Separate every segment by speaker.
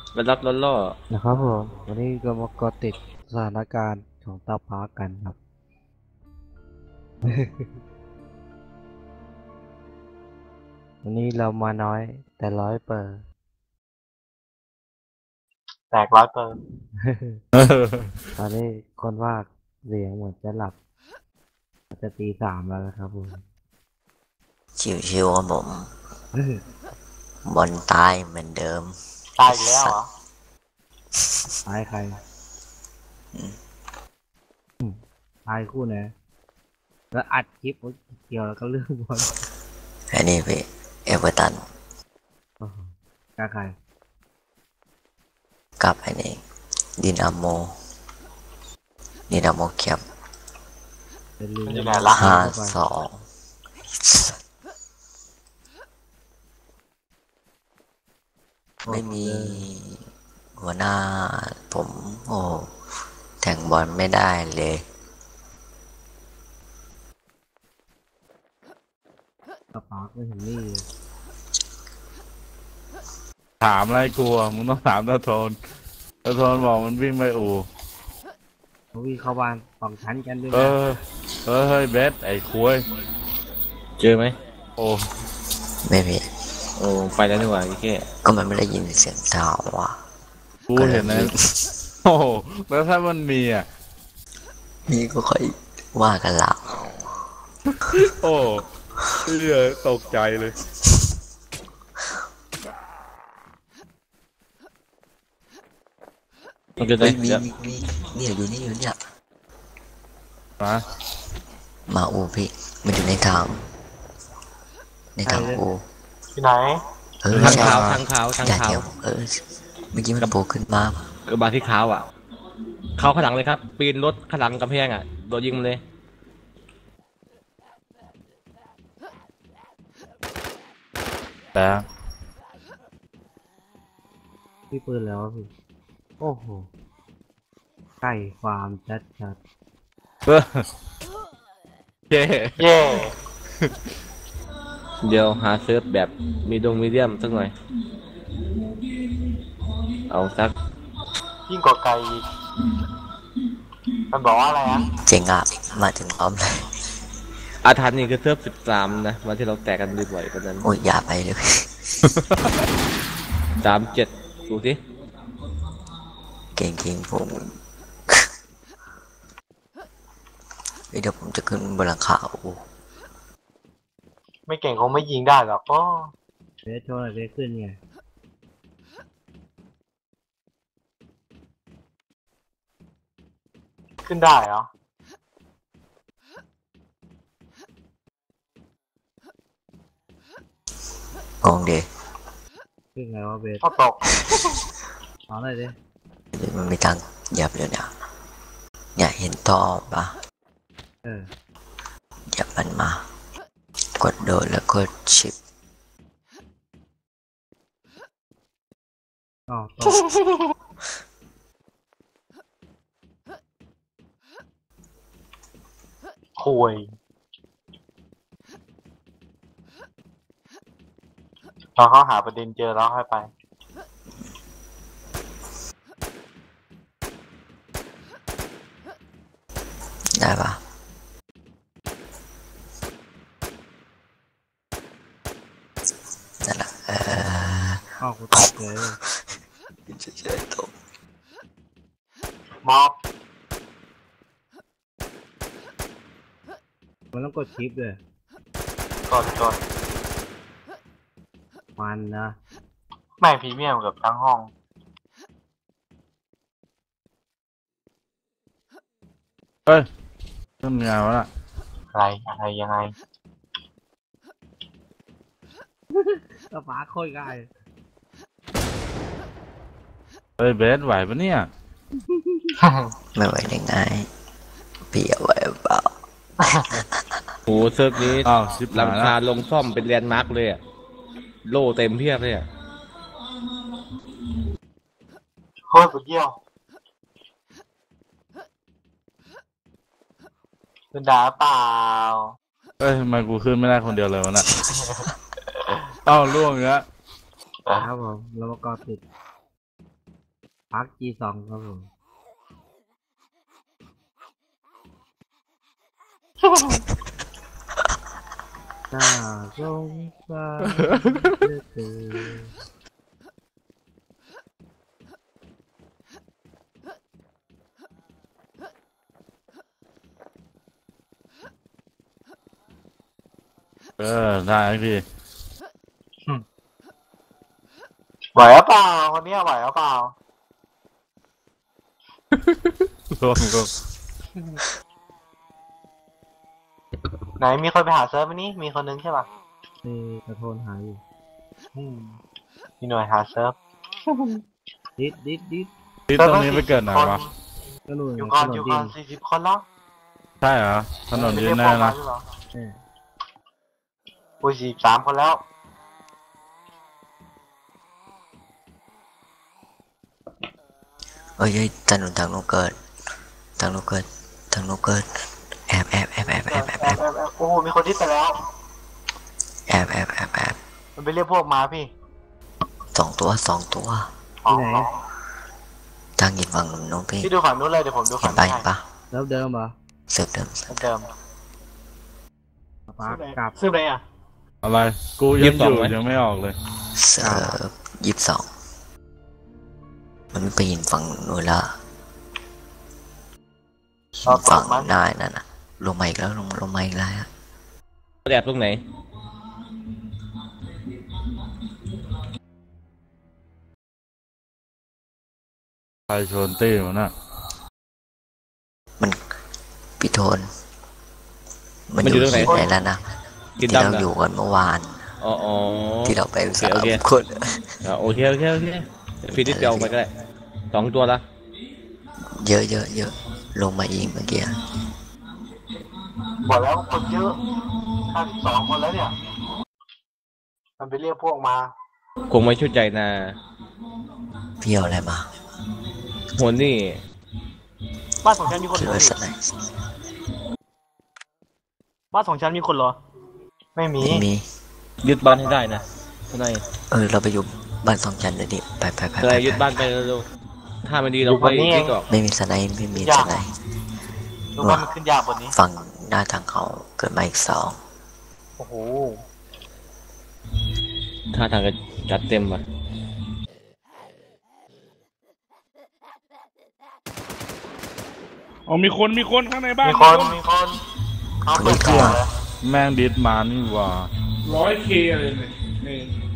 Speaker 1: มันรับล้อล่อ
Speaker 2: นะครับผมวันนี้ก็มาเกาะติดสถานการณ์ของเตาพากันครับ วันนี้เรามาน้อยแต่ร้อยเปอร์
Speaker 3: แตก100%
Speaker 2: ตอนนี้คนว่าเสียงเหมือนจะหลับจะตีสามแล้วนะครับผม
Speaker 4: ชิวๆครับผมบอลตายเหมือนเดิม
Speaker 3: ตายอีกแล้วเหรอ
Speaker 2: ตายใครตายคู่ไหนแล้วอัดคลิปเกี่ยวแล้วก็เรื่องบอล
Speaker 4: อันนี้พี่เอเวอร์ตัน
Speaker 2: โอ้โหกล้าใคร
Speaker 4: กับอันนี้ดินาโมเคียบ
Speaker 2: เป็นลืม
Speaker 3: อยู่ไหนล่ะ
Speaker 4: 5-2ไม่มีหัวหน้าผมโอ้แทงบอลไม่ได้เลย
Speaker 2: กระปากไม่เห็นนี่เลย
Speaker 5: ถามอะไรกลัวมึงต้องถามตาโทนบอกมันวิ่งไปอู่
Speaker 2: เขาวิ่งเข้าบ้านสองชั้นกันด้วย
Speaker 5: เอ
Speaker 2: นะ
Speaker 5: เฮ้ยเบสไอ้คุย
Speaker 1: เจอไหม
Speaker 5: โอ้
Speaker 4: ไม่มี
Speaker 1: โอ้ไปแล้วนี่หว่าพี่แค่
Speaker 4: ก็มันไม่ได้ยินเสียงเท้าว่ะ
Speaker 5: กูเห็นนะโอ้โหแล้วถ้ามันมีอ่ะ
Speaker 4: นี่ก็ค่อยว่ากันละ
Speaker 5: โอ้เหี้ยตกใจเลย
Speaker 1: มันจะได้
Speaker 4: เฮ้ยมี
Speaker 1: เดี๋ยว
Speaker 4: เนี่ยอยู่เนี่ย
Speaker 5: มา
Speaker 4: มาอูพี่มันอยู่ในทางอู
Speaker 3: ที่ไหน
Speaker 1: ทาง
Speaker 4: ใช่
Speaker 1: ขาวทางขาวทาง
Speaker 4: อย่า
Speaker 1: ขาว
Speaker 4: เดี๋ยวเมื่อกี้มันโผล่ขึ้นมา
Speaker 1: กระบะที่ขาวอ่ะเขาข้างหลังเลยครับปีนรถข้างหลังกำแพงอ่ะโดนยิงมาเลย
Speaker 5: แต่
Speaker 2: พี่ปืนแล้วะพี่โอ้โหไก่ฟาร์มชัด
Speaker 5: เออเย้
Speaker 3: เย่
Speaker 1: เดี๋ยวหาเซิร์ฟแบบมีมีเดียมสักหน่อยเอาสัก
Speaker 3: ยิ่งกว่าไกลอีกมันบอกว่าอะไรอ่ะ
Speaker 4: เจ๋งอ่ะมาถึงพร้อมเลย
Speaker 1: อาถรรพ์นี่คือเซิร์ฟ13นะวันที่เราแตกกันบ่อยๆกันนั้น
Speaker 4: โอ้ยอย่าไปเลย
Speaker 1: 37ดูสิ
Speaker 4: เก่งผมเดี๋ยวผมจะขึ้นบนหลังคาอู
Speaker 3: ไม่เก่งคงไม่ยิงได้หรอกก็
Speaker 2: ๆเบสโชว์หน่อยเบสขึ้นไง
Speaker 3: ขึ้นได้เหรอ
Speaker 4: งงดิ
Speaker 2: ขึ้นไงวะเบส
Speaker 3: ก็ตก
Speaker 2: เอาหน่อยดิ
Speaker 4: มันมีทางเหยับอยู่เนี่ยเห็นท่อปะ
Speaker 2: เออ
Speaker 4: เหยับมันมากดโดดแล้วกดชิป
Speaker 2: อ๋อตก
Speaker 3: คุยตอนเขาหาประเด็นเจอแล้วค่อยไป
Speaker 4: ได้ปะนั่นแหละ
Speaker 2: อ้าวกูตกเลย
Speaker 4: เฉยๆตก
Speaker 3: มอบ
Speaker 2: มันต้องกดชิปเลย
Speaker 3: กด
Speaker 2: มันนะ
Speaker 3: แม่งพรีเมียมกับทั้งห้อง
Speaker 5: เฮ้ยเริ่มงานแล้วล่ะ
Speaker 3: อะไรยังไง
Speaker 2: กระปากโคตรง่าย
Speaker 5: เฮ้ยเบสไหวปะเนี่ย
Speaker 4: ไม่ไหวได้ไงเปียไหวเปล่า
Speaker 1: โหเซิร์ฟนี้
Speaker 5: อ้าวชิบ
Speaker 1: หลั
Speaker 5: หาย
Speaker 1: ง
Speaker 5: แล้ว
Speaker 1: คาลงซ่อมเป็นแลนด์มาร์กเลยอ่ะโล่เต็มเพียบเลยอ่ะ
Speaker 3: โคตรสุดเยี่ยวคุณด่าเปล่า
Speaker 5: เอ้ยทำไมกูขึ้นไม่ได้คนเดียวเลยวะน่ะ เอ้าล่วงอีกแล้ว
Speaker 2: ครับผมเรามาเกาะติดพัก G2 ครับผมน่าสงสารเหลือเกิน
Speaker 5: ได้พี่
Speaker 3: ไหวหรือเปล่าคนเนี้ยไหวหรือเปล่า
Speaker 5: รวมก็
Speaker 3: ไหนมีคนไปหาเซิร์ฟไหมนี่มีคนนึงใช่ป่ะ
Speaker 2: นี่กระโทนหายอยู่
Speaker 3: มีหน่วยหาเซิร์ฟ
Speaker 2: ดิด
Speaker 5: ที่ตรงนี้ไปเกิดไหนวะ
Speaker 2: ก็หนุ่ย
Speaker 3: อยู่
Speaker 2: ถ
Speaker 3: ก่อน
Speaker 2: น
Speaker 3: อยู่
Speaker 2: ดิ
Speaker 3: ก่อน
Speaker 2: น
Speaker 3: 40 คนแล้ว
Speaker 5: ใช่เหรอถนนดินแน่นะ
Speaker 2: เออ
Speaker 3: อุ้ย43 คนแล้ว
Speaker 4: เอ้ยถนนทางโน้นเกิดทางโน้นเกิดแอบ
Speaker 3: โอ้โหมีคนที่ไปแล้ว
Speaker 4: แอบ
Speaker 3: มันไปเรียกพวกมาพี่
Speaker 4: สองตัว
Speaker 3: อ๋อ
Speaker 4: ทางยิงฝั่งโน้นพี่
Speaker 3: พี่ดูฝั่งนู้นเลยเดี๋ยวผมดู
Speaker 4: เห็
Speaker 3: ฝั่
Speaker 4: น
Speaker 3: ง
Speaker 4: ปะ
Speaker 3: นี้
Speaker 4: เห็นปะ
Speaker 2: แล้วเดิมเหรอ
Speaker 4: เสิร์ฟเดิม
Speaker 3: ให้เดิม
Speaker 2: พักกลับ
Speaker 3: ซื้อไหนอ่ะ
Speaker 5: อะไร กูยังอยู่ยังไม่ออกเลย
Speaker 4: เสิร์ฟ22มันไปยิงฝั่งโน้นละฝั่งหน้านั่นน่ะลงมาอีกแล้วลงมาอีกแล้ว
Speaker 1: แอบตรงไหน
Speaker 5: ใครชนตี้มันน่ะ
Speaker 4: มันพี่โทนมันอยู่ที่ไหนแล้วนะ
Speaker 1: กิน
Speaker 4: ที่
Speaker 1: ดำ
Speaker 4: เรา
Speaker 1: นะ
Speaker 4: อยู่กันเมื่อวาน
Speaker 1: อ๋อ
Speaker 4: ที่เราไปสาม
Speaker 1: โอเค
Speaker 4: คน
Speaker 1: โอเคฟีดิสเดียวไปก็ได้2 ตัวละ
Speaker 4: เยอะลงมาอีกเมื่อกี้
Speaker 3: บอกแล้วคนเยอะ52 คนแล้วเนี่ย มันไปเรียกพวกมา
Speaker 1: คงไม่ชุดใจนะ
Speaker 4: พี่เอาอะไรมา
Speaker 1: หัวนี่
Speaker 3: บ้านของฉันมีคน
Speaker 4: คิด
Speaker 3: เหรอ
Speaker 4: ว่าสไน
Speaker 3: บ้านของฉันมีคนเหรอ ไม่มี
Speaker 4: ไม่มี
Speaker 1: ยึดบ้านให้ได้นะทนาย
Speaker 4: เราไปอยู่บ้านสองชั้นเลยดิไป
Speaker 1: ทนายยึดบ้านไปเร็วๆถ้ามันดีเราไปยึดออก
Speaker 4: ไม่มีสไนไม่มีสไน
Speaker 3: ดูว่ามันขึ้นยากบนนี้
Speaker 4: ฝั่งหน้าทางเขาเกิดมาอีก2
Speaker 3: โอ้โห
Speaker 1: ถ้าทางก็จัดเต็มว่ะ
Speaker 5: อ๋อมีคนข้างในบ้าน
Speaker 3: มีคนเขาเปิดก่อนเลย
Speaker 5: แม่งดิสมานี่หว่า
Speaker 6: 100K อะไรเนี่ยนี่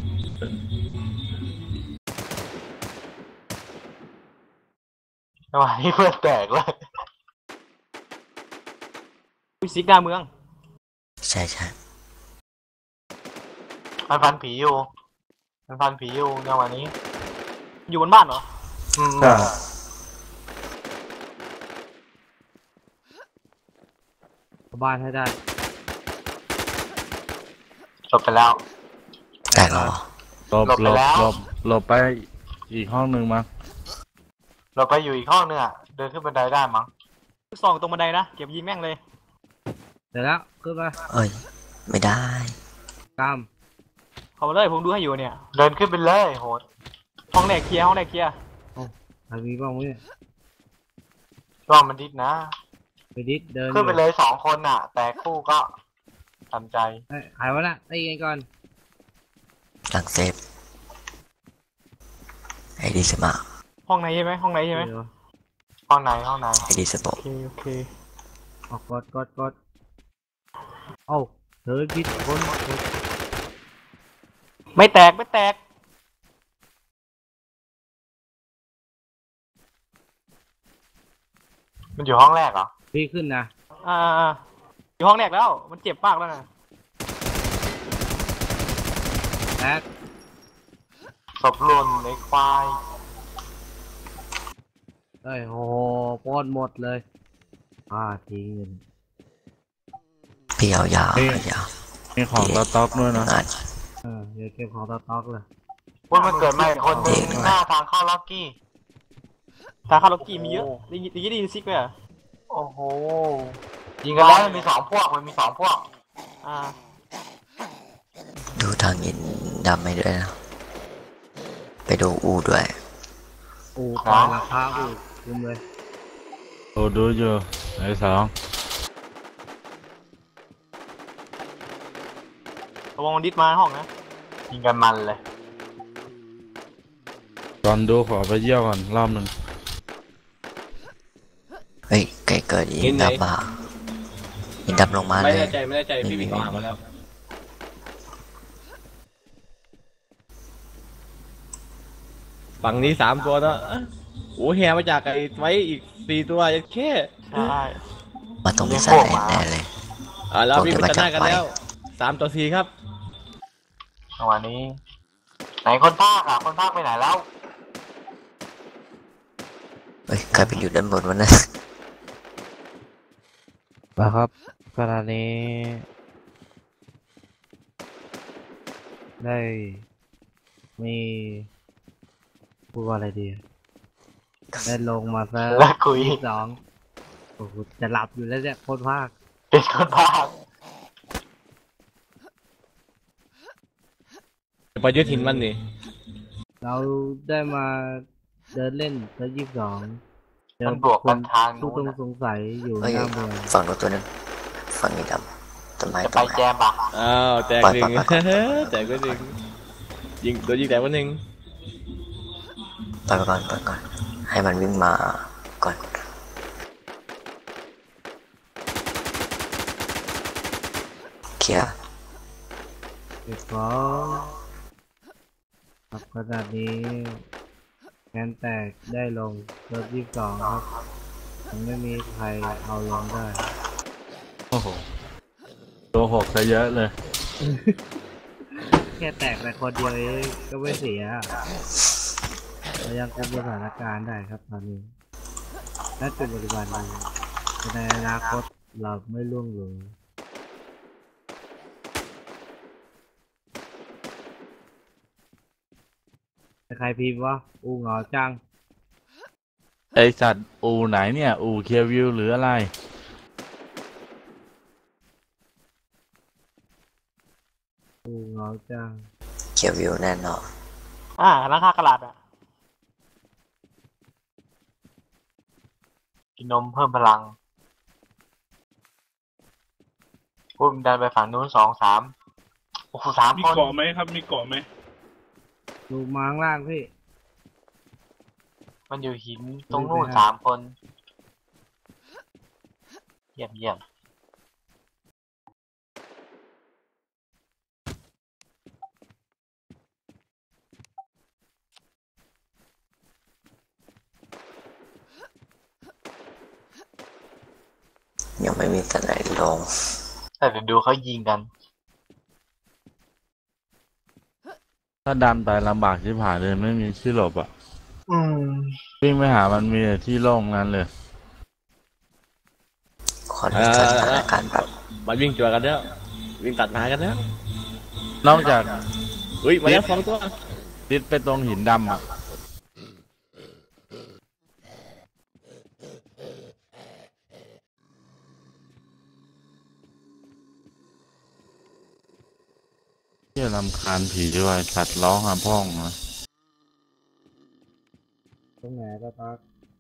Speaker 3: ทำไมเพื่อนแตกเลยซิกหน้าเมือง
Speaker 4: ใช่
Speaker 3: มันพันผีอยู่ในวันนี้ อยู่บนบ้านเหรอ
Speaker 5: ใช่
Speaker 2: เข้าบ้านให้ได้
Speaker 3: จบไปแล้ว
Speaker 4: แตกแล้วเหรอ
Speaker 5: หลบ
Speaker 3: หลบไปแล้ว
Speaker 5: หลบไปอีกห้องหนึ่งมั้ง
Speaker 3: เราไปอยู่อีกห้องนึงอ่ะ เดินขึ้นบันไดได้มั้งส่องตรงบันไดนะ เก็บยิงแม่งเลย
Speaker 2: เดี๋ยวแล้วขึ้นมา
Speaker 4: เอ้ยไม่ได้
Speaker 2: กล้าม
Speaker 3: เข้ามาเลยผมดูให้อยู่เนี่ย เดินขึ้นไปเลยโหด ห้องแรกเคลียร์
Speaker 2: ใครมีบ้างวะเนี่ย
Speaker 3: รอบมันดิดนะ
Speaker 2: ไปดิดเดิน
Speaker 3: ขึ้นไปเลย2 คนอ่ะ แต่คู่ก็ทำใจ
Speaker 2: เอ้ยใครวะน่ะตีกันก่อน
Speaker 4: หลังเซฟไอดีสมา
Speaker 3: ห้องไหนใช่ไหม
Speaker 2: เดี๋ยว
Speaker 3: ห้องไหน
Speaker 4: ไอดีสโป
Speaker 3: โอเค
Speaker 2: ออกกดเอ้าเธอพิษคน
Speaker 3: ไม่แตก มันอยู่ห้องแรกเหรอ
Speaker 2: พี่ขึ้นนะ
Speaker 3: อยู่ห้องแรกแล้ว มันเจ็บมากแล้วนะ
Speaker 2: แตก
Speaker 3: ศพหล่นในควาย
Speaker 2: เอ้ยโอ้โหปล้นหมดเลยทิ้งเงิน
Speaker 4: พี่เอายาว
Speaker 5: มีของสต็อกด้วยนะ
Speaker 4: งาน
Speaker 2: เดี๋ยวเก็บของสต็อกเลย
Speaker 3: พวกมันเกิดใหม่คนหนึ่งหน้าทางเข้าล็อกกี้ ทางเข้าล็อกกี้มีเยอะได้ยินซิกไหมอ่ะโอ้โห ยิงกันแล้วมันมี2 พวก
Speaker 4: ดูทางยินดำไม่ด้วยนะไปดูอูด้วย
Speaker 2: อูปล่อยราคาอูคุมเลย
Speaker 5: โอ้ดูอยู่ไอ้สอง
Speaker 3: ระวังมันดิสมาห้องนะยิงกันมันเลย
Speaker 5: ตอนดูขอไปเยี่ยวก่อนรอบหนึ่ง
Speaker 4: เฮ้ยไก่เกิดยิงดับอ่ะยิงดับลงมา
Speaker 1: ไม่
Speaker 4: เลย
Speaker 1: แน่ใจพี่วิ่งออกมาแล้วฝั่งนี้3 ตัวนะโอ้แฮมาจากไอ้ไว้อีก4 ตัวยังแค่
Speaker 3: ใช่
Speaker 4: มาตรงพิซซ่าแน่เลย
Speaker 1: แล้ววิ่งไปตัดหน้ากันแล้ว3-4ครับ
Speaker 3: จังหวะนี้ไหนคนภาคอ่ะคนภาคไปไหนแล้ว
Speaker 4: เฮ้ยใครไปอยู่ด้านบนวะนะ
Speaker 2: นะครับขณะนี้ ได้มีพูดว่าอะไรดี ได้ลงมาซะ
Speaker 3: แล้วคุย
Speaker 2: 22โอ้โหจะหลับอยู่แล้วเนี่ยโคตรภาค
Speaker 3: เป็นคนภาค
Speaker 1: ไปยึดหินมันนี่
Speaker 2: เราได้มาเดินเล่นซะ22เจอ
Speaker 3: มันบวกกันทาง
Speaker 2: ผู้
Speaker 3: นู้น
Speaker 2: ต้อง
Speaker 3: อะ
Speaker 2: สงสัยอยู่
Speaker 4: เฮ้ย
Speaker 2: หน้าเมือง
Speaker 4: ฝั่งนู้นตัวนึงฝั่งนี้ดำต้นไม้
Speaker 3: จะ
Speaker 4: ต้
Speaker 3: ไป
Speaker 4: นไม้
Speaker 3: แจมปะ
Speaker 1: อ้าวแจก
Speaker 4: ปล่อย
Speaker 1: หนึ่ง
Speaker 4: ปล่อย
Speaker 1: แจกไปหนึ่งยิงโดนยิงแตกไปหนึ่ง
Speaker 4: ปล่อยไปก่อนปล่อยก่อนให้มันวิ่งมาก่อนเคลียร์
Speaker 2: เก็บของครับขนาดนี้งานแตกได้ลงรถ22ครับยังไม่มีใครเอาลงได้
Speaker 5: โอ้โหตัวหกซะเยอะเลย
Speaker 2: แค่แตกแต่คนเดียวเองก็ไม่เสียเรายังคุมสถานการณ์ได้ครับตอนนี้และเป็นปัจจุบันนี้แต่ในอนาคตเราไม่ล่วงเลยแต่ใครพิมพ์วะอูเหงาจัง
Speaker 5: ไอสัตว์อูไหนเนี่ย อูเคียวิวหรืออะไร
Speaker 2: อูเหงาจัง
Speaker 4: เคลียร์วิวแน่นอน
Speaker 3: ร้านค้ากระดาษอ่ะกินนมเพิ่มพลังพุ่มดันไปฝั่งนู้น2-3โอ้โห3
Speaker 6: มี
Speaker 3: คน
Speaker 6: เกาะไหมครับ มีเกาะไหม
Speaker 2: ดูมาข้างล่างพี่
Speaker 3: มันอยู่หินตรงนู้น3 คนเยี่ยมเยี่ยม
Speaker 4: ยังไม่มีสไนด์ลง
Speaker 3: แต่เดี๋ยวดูเขายิงกัน
Speaker 5: ถ้าดันไปลำบากชิบหายเลยไม่มีที่หลบอ่ะ
Speaker 3: อืม
Speaker 5: วิ่งไปหามันมีแต่ที่โล่งนั้นเลย
Speaker 4: ขอดูสถานการณ์แบบ
Speaker 1: มันวิ่งจัวกันแล้ววิ่งตัดหากันแล้ว
Speaker 5: นอกจาก
Speaker 1: อุ้ยมาแล้ว2 ตัว
Speaker 5: ติดไปตรงหินดำอ่ะเที่ยรำคาญผีด้วยสัตว์ร้องหาพ่องนะ
Speaker 2: ตรงไหนก็ตัก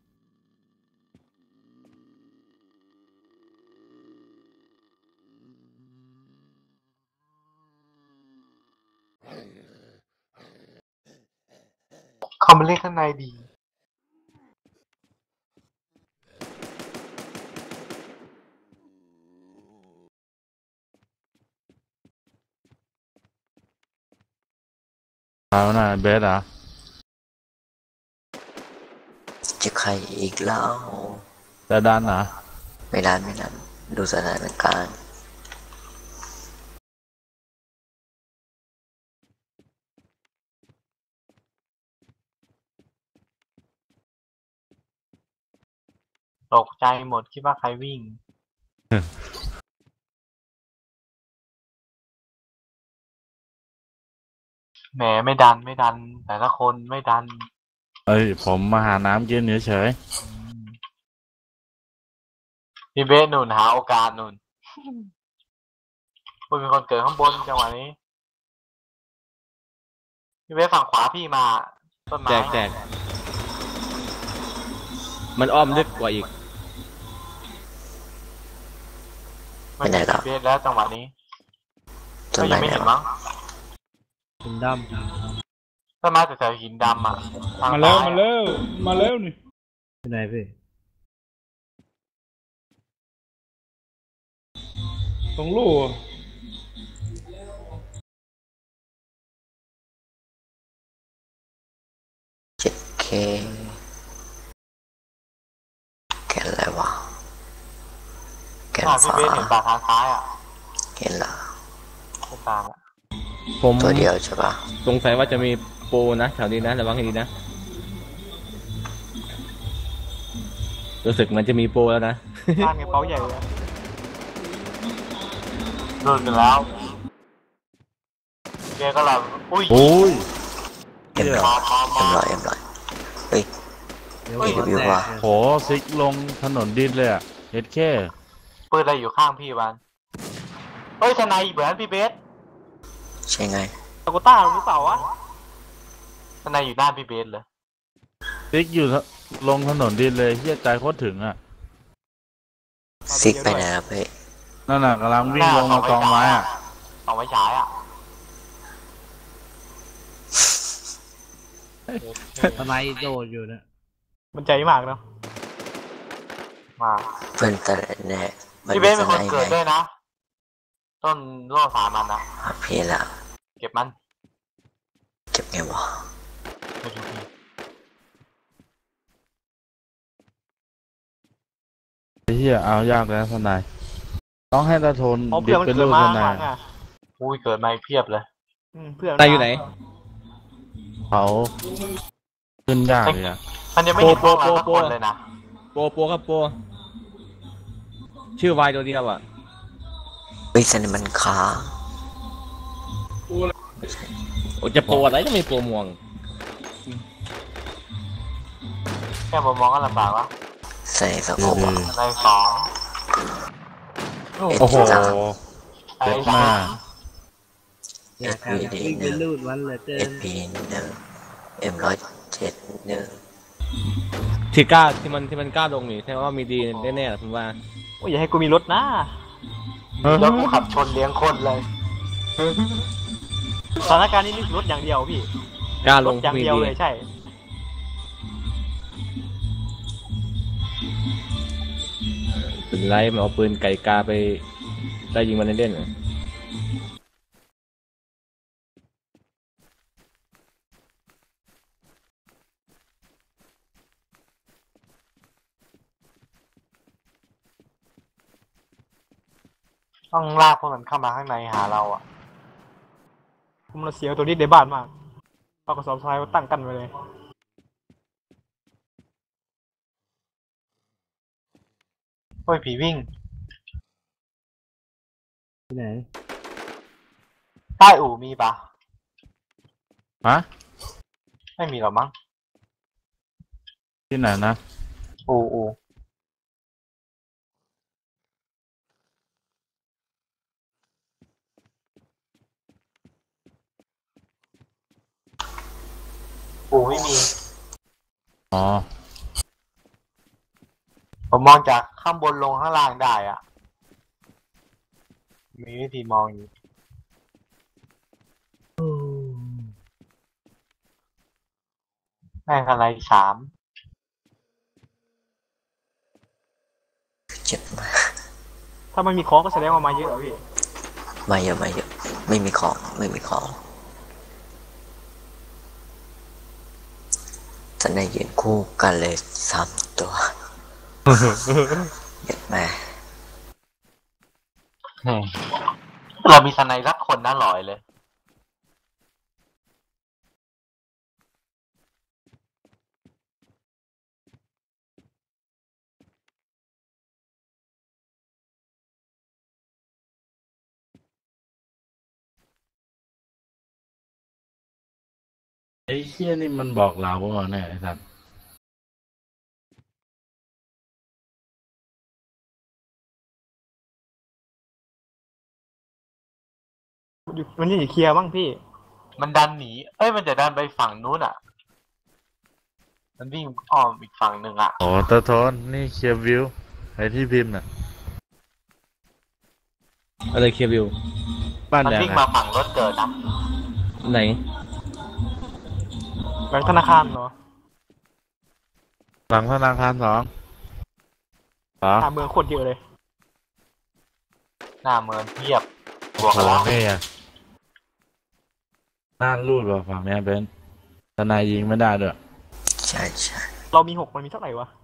Speaker 3: เข้ามาเล่นข้างในดี
Speaker 5: เอาหน่าเบสอ่ะ
Speaker 4: จะใครอีกแล้ว
Speaker 5: แต่ดันอ่ะ
Speaker 4: ไม่นานไม่นานดูสถานการณ์
Speaker 3: ตกใจหมดคิดว่าใครวิ่ง แหมไม่ดันไม่ดัน แต่ละคนไม่ดัน
Speaker 5: เอ้ยผมมาหาน้ำกินเฉย
Speaker 3: พี่เบสหนุนหาโอกาสหนุนคุณเป็นคนเกิดข้างบนจังหวะนี้ พี่เบสฝั่งขวาพี่มาต้นไม้
Speaker 1: แจกมันอ้อมลึกกว่าอีก
Speaker 4: ไปไหนแล้ว
Speaker 3: เบสแล้วจังหวะนี้
Speaker 4: ต้
Speaker 3: ก็
Speaker 4: นไม้
Speaker 3: ยังไม่
Speaker 4: ไหน
Speaker 3: เห็น
Speaker 4: วะ
Speaker 3: มั้ง
Speaker 2: หินด
Speaker 3: ต้นไม้แต่หินดำอ่ะทง
Speaker 6: มาแล้ว
Speaker 3: ซ้ย
Speaker 6: มาแล้วมาแล้วนี่
Speaker 2: ำที่ไหนพี่
Speaker 6: ตรงลู่อะ
Speaker 4: 7K แกนอะไรวะแกน
Speaker 3: พี่
Speaker 4: ฟ้า
Speaker 3: เบสเห็นป่าทางซ้ายอ่ะ
Speaker 4: เห็นละ
Speaker 3: ไม่ตามอ่ะ
Speaker 1: ผม
Speaker 4: ตัวเดียวใช่ปะ
Speaker 1: สงสัยว่าจะมีโปรนะแถวนี้นะระวังให้ดีนะรู้สึกมันจะมีโปรแล้วนะ
Speaker 3: บ้านกระเป๋าใหญ่เลยโดนกันแล้วเบสก็เราอุ้ย
Speaker 5: โอ้ย
Speaker 4: เอ็มร้อยเอ็มร้อยเอ็มร้อยเฮ้ย
Speaker 2: เดี๋ยว
Speaker 3: เฮ้ย
Speaker 2: หัว
Speaker 4: วิว
Speaker 2: แต
Speaker 4: ว่ะ
Speaker 2: กเลย
Speaker 5: โหซิกลงถนนดินเลยอะเอ็ดแค่
Speaker 3: ปืนอะไรอยู่ข้างพี่บ้านเฮ้ยทนายเหมือนพี่เบส
Speaker 4: ใช่ไง
Speaker 3: ตะกุต้าหรือเปล่าวะทนายอยู่ด้านพี่เบสเลย
Speaker 5: ซิกอยู่ลงถนนดินเลยเฮียใจโคตรถึงอะ
Speaker 4: ซิกไปไหนครับเฮ้ย
Speaker 5: นั่นน่ะกำลังวิ่งลงมากองไม้อะ
Speaker 3: สองไม้ฉายอ่ะ
Speaker 2: ทนายโดดอยู่เนี่ย
Speaker 3: มันใจมากเนาะมา
Speaker 4: เพื่อนแต่แน่มัน
Speaker 3: พี่เบ
Speaker 4: เป็น
Speaker 3: ส
Speaker 4: ส
Speaker 3: เป็นคน
Speaker 4: ไน
Speaker 3: เกิด
Speaker 4: ไง
Speaker 3: ด้วยนะ ต้นร่วงสามันนะ
Speaker 4: เพลละ
Speaker 3: เก็บมัน
Speaker 4: เก็บไงวะ
Speaker 3: ไม่ดูพี่
Speaker 5: ไอ้เฮียเอายากแล้วทนายต้องให้ตาโทน
Speaker 3: เพราะ
Speaker 5: ดิ
Speaker 3: เพื่อนมัน
Speaker 5: บเป็น
Speaker 3: เกิ
Speaker 5: ลู
Speaker 3: ด
Speaker 5: ก
Speaker 3: มา
Speaker 5: ท
Speaker 3: ข้างห
Speaker 5: นา
Speaker 3: ลั
Speaker 5: ย
Speaker 3: งอ่ะอุ้ยเกิดมาอีกเพียบเลยเพื่อน
Speaker 1: ตายอยู่ไหน
Speaker 5: เขาขึ้นยากเลยอะ
Speaker 3: มันยังไม่เห็นพวกเราสัก
Speaker 1: โป
Speaker 3: ค
Speaker 1: ร
Speaker 3: นเลยนะ
Speaker 1: โปรครับโปรชื่อวายตัวเดียวอ่ะ
Speaker 4: เฮ้ยสไนมันค้าง
Speaker 1: โอ้จะโปรอะไรจะไม่โปรม่วง
Speaker 3: แค่ผมมองก็ลำบากวะ
Speaker 4: ใส่สะโพกอะ
Speaker 3: ในสอง
Speaker 5: โอ้โห
Speaker 3: ไอ้
Speaker 5: เจ็บ
Speaker 3: สาม
Speaker 5: าก
Speaker 2: อยากวิ่งไปลูดวันเหลือเกิน
Speaker 4: SP หนึ่ง M107หนึ่ง
Speaker 1: ที่กล้าที่มันกล้าลงนี่แสดงว่ามีดีแน่ๆผมว่า
Speaker 3: โอ้ยอย่าให้กูมีรถนะแล้วกูขับชนเลี้ยงคนเลยสถานการณ์นี้นึกรถอย่างเดียวพี่
Speaker 1: กล้าร ล
Speaker 3: ถ
Speaker 1: ง
Speaker 3: อย่าง
Speaker 1: มี
Speaker 3: เดียว
Speaker 1: ดี
Speaker 3: เลยใช่
Speaker 1: เป็นไรมันเอาปืนไก่กาไปได้ยิงมันเล่นๆเหรอ
Speaker 3: ต้องลากพวกมันเข้ามาข้างในหาเราอ่ะผมเราเสียวตัวนี้ในบ้านมากเอากระสอบทรายมาตั้งกันไว้เลย โอ้ยผีวิ่ง
Speaker 2: ที่ไหน
Speaker 3: ใต้อู่มีปะ
Speaker 5: ฮะ
Speaker 3: ไม่มีหรอมั้ง
Speaker 5: ที่ไหนนะ
Speaker 3: อู่ไม่มี
Speaker 5: อ๋อ
Speaker 3: ผมมองจากข้างบนลงข้างล่างได้อ่ะ มีวิธีมองอยู่แม่งอะไรสาม
Speaker 4: เจ็บมาก
Speaker 3: ถ้าไม่มีของก็แสดงว่ามาเยอะพี่
Speaker 4: ไม่เยอะไม่เยอะไม่มีของไม่มีของจะได้ยืนคู่กันเลย3 ตัว เย็ดแม่
Speaker 3: เรามีสไนรักคนน่าหลอยเลย
Speaker 5: ไอ้เชี่ยนี่มันบอกเราว่าเนี่ยไอ้สัตว์
Speaker 3: มันยังอยู่เคลียร์บ้างพี่ มันดันหนี เอ้ย มันจะดันไปฝั่งนู้นอ่ะ เมันวิ่งอ้อมอีกฝั่งหนึ่งอ่ะ
Speaker 5: โอ้ตะโทนนี่เคลียร์วิวไอ้ที่พิมพ์น่ะ
Speaker 1: อะไรเคลียร์วิว
Speaker 5: บ้าน
Speaker 3: มัน
Speaker 5: แดง
Speaker 3: วิ่ง
Speaker 5: อะ
Speaker 3: มาฝั่งรถเกิดนะ
Speaker 1: ไหน
Speaker 3: แบงค์ธนาคารเหรอ
Speaker 5: หลังธนาคาร2เหรอ
Speaker 3: หน้าเมืองโคตรเยอะเลยหน้าเมืองเทียบบวก
Speaker 5: โอ้
Speaker 3: กันแล้ว
Speaker 5: นี่อะน่ารูดว่ะฝั่งเนี้ยเบนทนายยิงไม่ได้ด้วย
Speaker 4: ใช่ใช่
Speaker 3: เรามี6มันมีเท่าไหร่วะ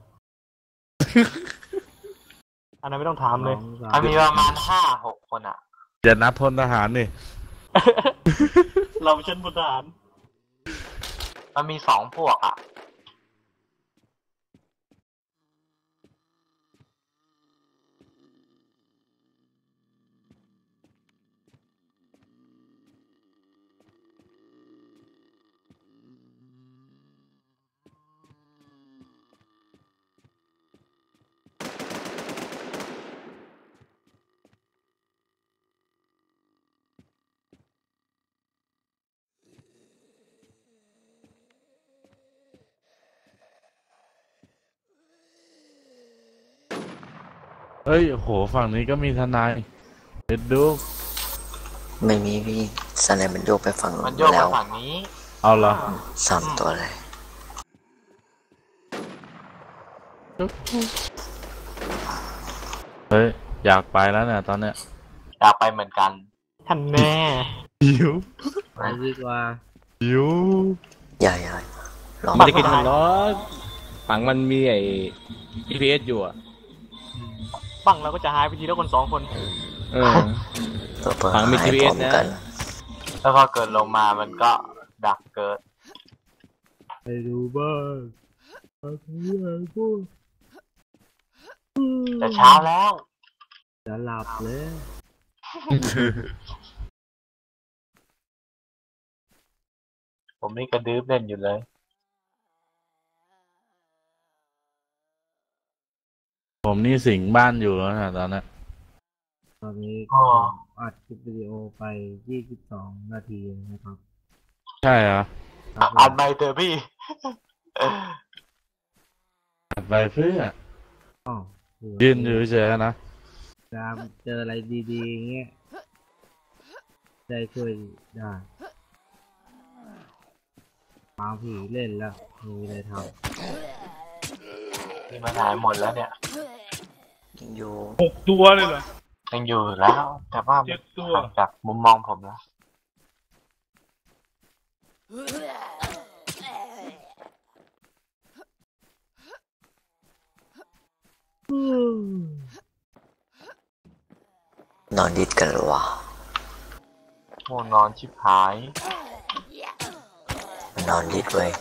Speaker 3: อันนั้นไม่ต้องถามเลย
Speaker 2: 2
Speaker 3: มันมีประมาณ5-6 คนอ่ะ
Speaker 5: จะนับพลทหารนี่
Speaker 3: เราเช่นพลทหารมันมี2 พวกอ่ะ
Speaker 5: เฮ้ยโหฝั่งนี้ก็มีทนายเด็ดดู
Speaker 4: ไม่มีพี่สไนมันโยกไปฝั่ง
Speaker 3: มัน
Speaker 4: นู้น
Speaker 3: โยก
Speaker 4: แล้
Speaker 3: ไป
Speaker 4: ว
Speaker 3: ฝั่งนี้
Speaker 5: เอาเหรอ
Speaker 4: 3 ตัวเลย
Speaker 5: เฮ้ยอยากไปแล้วเนี่ยตอนเนี้ย
Speaker 3: อยากไปเหมือนกันท่านแน่
Speaker 5: หิว
Speaker 2: ไปดีกว่า
Speaker 5: หิว
Speaker 4: ใหญ่ลอง
Speaker 1: มันจะกินมันเนาะฝั่งมันมีไอ้ GPS อยู่อ่ะ
Speaker 3: บังเราก็จะหายไปทีละคน2 คน
Speaker 1: เออ
Speaker 4: ตัวเปิด
Speaker 1: ฝั่งมี
Speaker 4: หาย
Speaker 1: GPS
Speaker 4: พร้อมกัน
Speaker 1: นะ
Speaker 3: แล้วพอเกิดลงมามันก็ดักเกิด
Speaker 2: ไปดูบ้างไปดูบ้างพูด
Speaker 3: แต่เช้าแล้ว
Speaker 2: จะหลับเลย
Speaker 3: ผมนี่กระดื้อเล่นอยู่เลย
Speaker 5: ผมนี่สิงบ้านอยู่แล้วนะตอนเนี้ย
Speaker 2: ตอนนี้
Speaker 3: อ๋อ
Speaker 2: อัดคลิปวิดีโอไป22 นาทีนะครับ
Speaker 5: ใช่เหรอ
Speaker 2: ครับผม
Speaker 3: อันไม่เถอะพี่
Speaker 5: อัดไปเพื่อ
Speaker 2: อ้าวเผื่อ
Speaker 5: ยืนอยู่เฉยๆนะ
Speaker 2: จะเจออะไรดีๆอย่างเงี้ยได้ช่วยได้มาผีเล่นแล้วมีอะไรท
Speaker 3: นี่มันหายหมดแล้วเนี่ย
Speaker 4: ยังอยู่
Speaker 6: 6 ตัวเลยเหรอ
Speaker 3: ยังอยู่แล้ว แต่ว่า
Speaker 6: 7 ตัว
Speaker 3: ห่างจากมุมมองผมแล้ว
Speaker 4: นอนดิดกันเหรอวะ
Speaker 3: ง่วงนอนชิบหาย
Speaker 4: มันนอนดิดเว้ย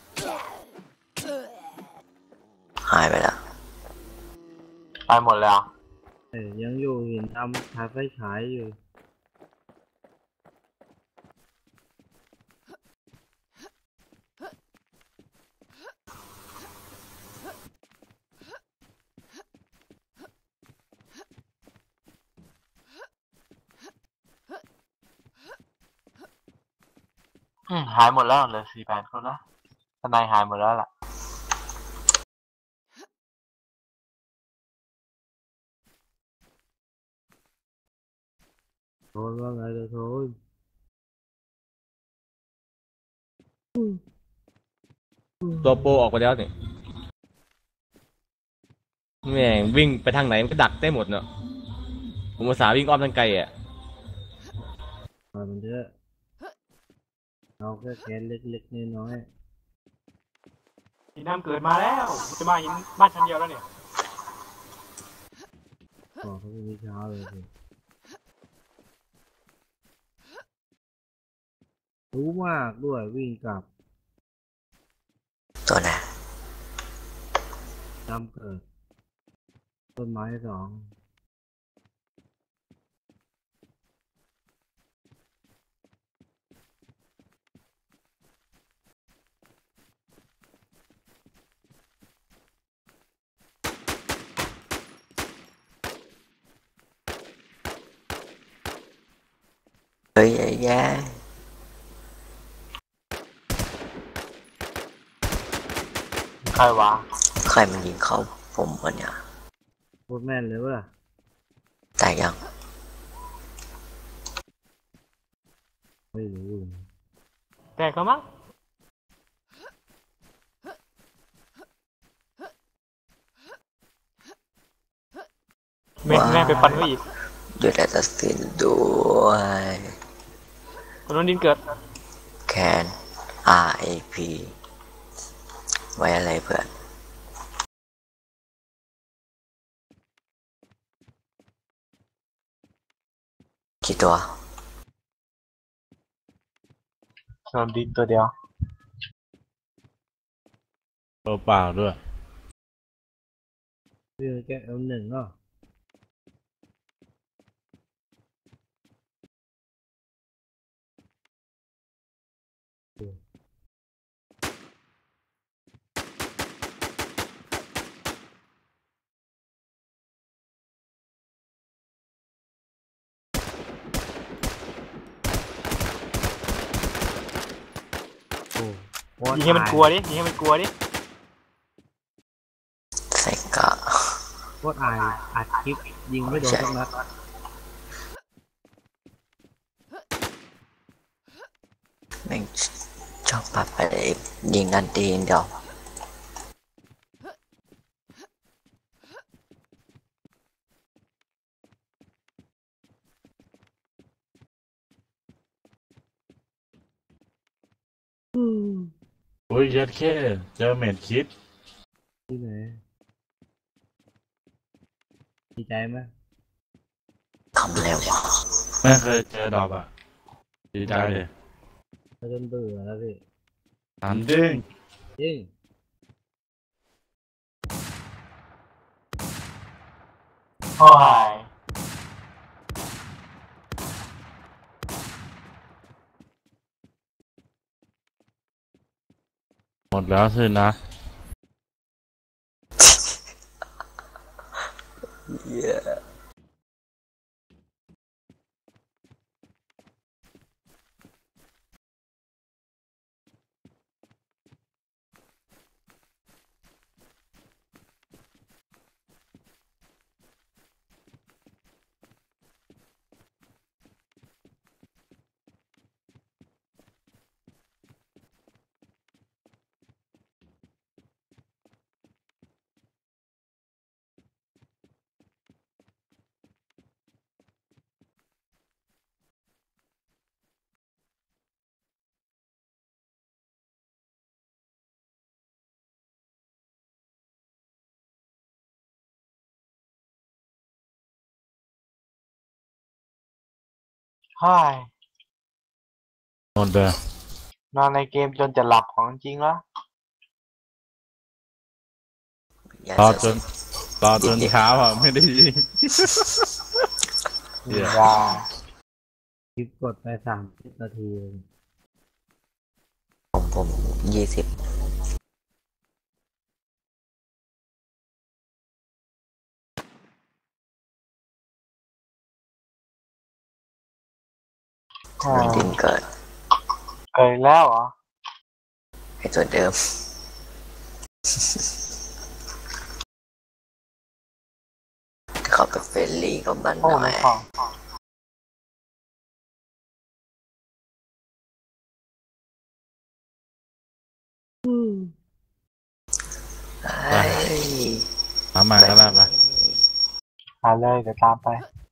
Speaker 4: หายไปแล้ว
Speaker 3: ไปหมดแล้ว
Speaker 2: ยังอยู่เห็นทำถ่ายไฟฉายอยู่
Speaker 3: หายหมดแล้วเหลย48 คนละทนายหายหมดแล้วล่ะ
Speaker 2: โทนว่าไงเด้อโทน
Speaker 1: ตัวโปรออกไปแล้วนี่แม่งวิ่งไปทางไหนมันก็ดักได้หมดเนาะผมอุตส่าห์วิ่งอ้อมทางไกลอ่ะ
Speaker 2: ปล่อยมันเถอะเราแค่แค้นเล็กๆน้อย
Speaker 3: หินน้ำเกิดมาแล้วจะมาหินบ้านชั้นเดียวแล้วเนี่ย
Speaker 2: ๆบอกเขาพรุ่งนี้เช้าเลยสิรู้มากด้วยวิ่งกลับ
Speaker 4: ตัวไหน
Speaker 2: จำเกิด ต้นไม้ 2
Speaker 4: เฮ้ยไอ้แย่
Speaker 3: ใครวะ
Speaker 4: ใครมันยิงเข้าผมวะเนี่ย
Speaker 2: พูดแม่นเลยว่ะ
Speaker 4: แต่ยัง
Speaker 2: ไม่รู้
Speaker 3: แตกแล้วมั้งแม่งไปปันไว้อีก
Speaker 4: หยุดแอสซัสซินด้วย
Speaker 3: คนนู้นดินเกิด
Speaker 4: แคน RAP ไว้อะไรเพื่อน กี่ตัว
Speaker 3: โดนดินตัวเดียว
Speaker 5: ตัวเปล่าด้วย
Speaker 2: เรื่องแกL1ก็โอ้
Speaker 3: ยิงให้มันกลัวดิยิงให้มันกลัวดิ
Speaker 4: เซกะ
Speaker 2: โคตรอายอัดคลิปยิงไม่โดนสักนัด
Speaker 4: แม่งชอบปัดไปยิงกันตีนเดียว
Speaker 5: โอ้ยยัดแค่เจอเม็ดคิด
Speaker 2: ที่ไหนดีใจไหม
Speaker 4: ทำแล้ววะ
Speaker 5: ไม่เคยเจอดอกอ่ะ ดีใจเลย
Speaker 2: เราจนเบื่อแล้วพี่
Speaker 5: ถามจริง
Speaker 2: จริง
Speaker 3: โอ้ย
Speaker 5: หมดแล้วสินะ
Speaker 4: เย้
Speaker 3: เฮ้ย
Speaker 5: หมดเลย
Speaker 3: นอนในเกมจนจะหลับของจริงแล้ว
Speaker 4: อย่าร
Speaker 5: อ
Speaker 4: เสี
Speaker 5: จ
Speaker 4: ย
Speaker 5: นรอจนเช้าอ่ะ ไม่ได้ยิง เหี้ย
Speaker 3: ยา
Speaker 2: คลิปกดไป30 นาทีเอง
Speaker 4: ผม20 มันดินเกิด
Speaker 3: เกิดแล้วเหรอ
Speaker 4: ไอ้ตัวเดิม เขาไปเฟรนลี่กับมันห
Speaker 3: โอ้
Speaker 4: น่อ
Speaker 3: ไม่
Speaker 4: ย
Speaker 3: ของ
Speaker 4: เฮ้ย
Speaker 5: ถามมาก็ได้ปะ
Speaker 3: มาเลยเดี๋ยวตามไป